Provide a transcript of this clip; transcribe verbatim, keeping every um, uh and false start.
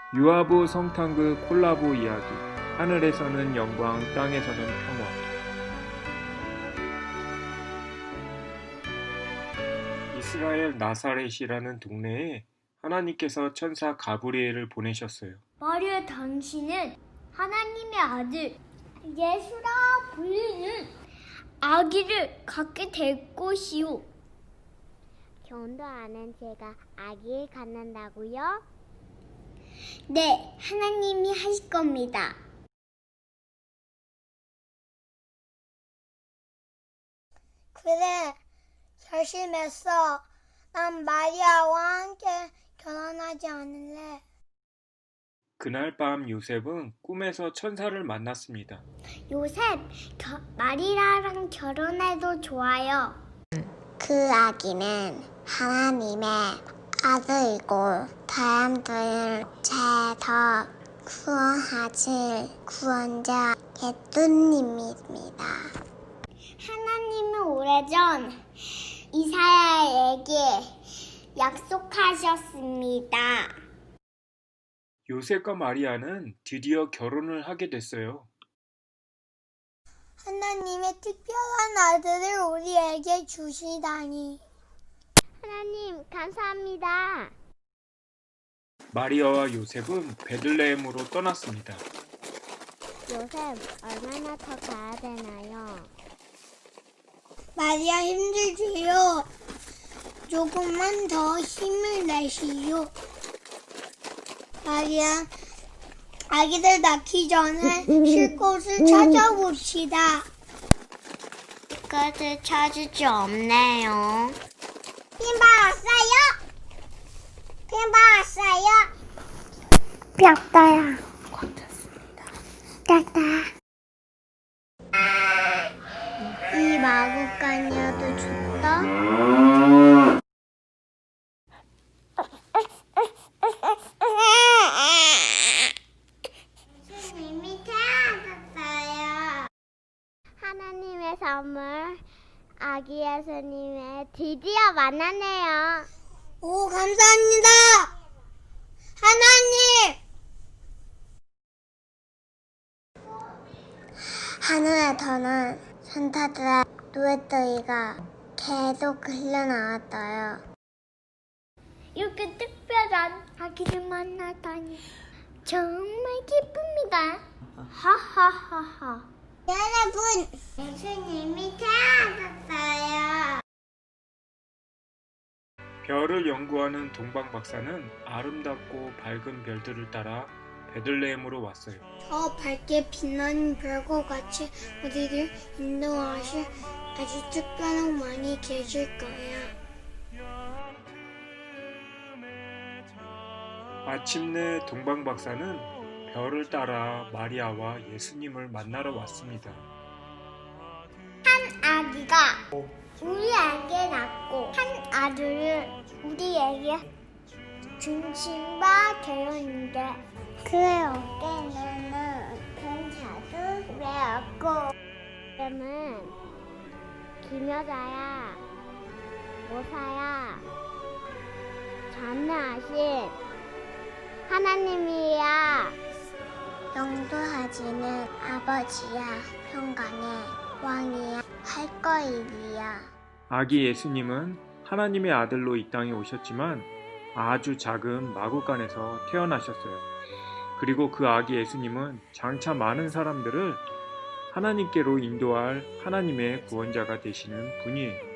유아부 성탄그 콜라보 이야기. 하늘에서는 영광, 땅에서는 평화. 이스라엘 나사렛이라는 동네에 하나님께서 천사 가브리엘을 보내셨어요. 마리아, 당신은 하나님의 아들 예수라 불리는 아기를 갖게 될 것이요. 견도 아는 제가 아기를 갖는다고요? 네, 하나님이 하실 겁니다. 그래, 결심했어. 난 마리아와 함께 결혼하지 않을래. 그날 밤 요셉은 꿈에서 천사를 만났습니다. 요셉, 겨, 마리아랑 결혼해도 좋아요. 그 아기는 하나님의 아들이고 사람들을 죄에서 구원하실 구원자 예수님입니다. 하나님은 오래전 이사야에게 약속하셨습니다. 요셉과 마리아는 드디어 결혼을 하게 됐어요. 하나님의 특별한 아들을 우리에게 주시다니. 하나님 감사합니다. 마리아와 요셉은 베들레헴으로 떠났습니다. 요셉 얼마나 더 가야 되나요? 마리아 힘들지요. 조금만 더 힘을 내시오. 마리아, 아기들 낳기 전에 쉴 곳을 찾아봅시다. 그것을 찾을 수 없네요. 핀 받았어요? 핀 받았어요? 뼈다야. 꽉찼습니다. 뼈다. 이 마구간이어도 좋다. 예수님이 태어났어요. 하나님의 선물 아기 예수님의 드디어 만나네요. 오, 감사합니다. 하나님! 하늘에서는 산타들의 노랫소리가 계속 흘러나왔어요. 이렇게 특별한 아기를 만나다니 정말 기쁩니다. 하하하하. 여러분, 예수님이 태어났어요. 별을 연구하는 동방 박사는 아름답고 밝은 별들을 따라 베들레헴으로 왔어요. 저 밝게 빛나는 별과 같이 우리를 인도하실 아주 특별한 분이 계실 거예요. 마침내 동방 박사는 별을 따라 마리아와 예수님을 만나러 왔습니다. 한 아기가 우리에게 낳고 한 아들을 우리에게 중심바 되었는데 그의 어깨에는 큰 자두 메었고 이름은 김여자야 모사야 전능하신 하나님이야. 영도하시는 아버지야 평강의 왕이야 할 거이리야. 아기 예수님은 하나님의 아들로 이 땅에 오셨지만 아주 작은 마구간에서 태어나셨어요. 그리고 그 아기 예수님은 장차 많은 사람들을 하나님께로 인도할 하나님의 구원자가 되시는 분이에요.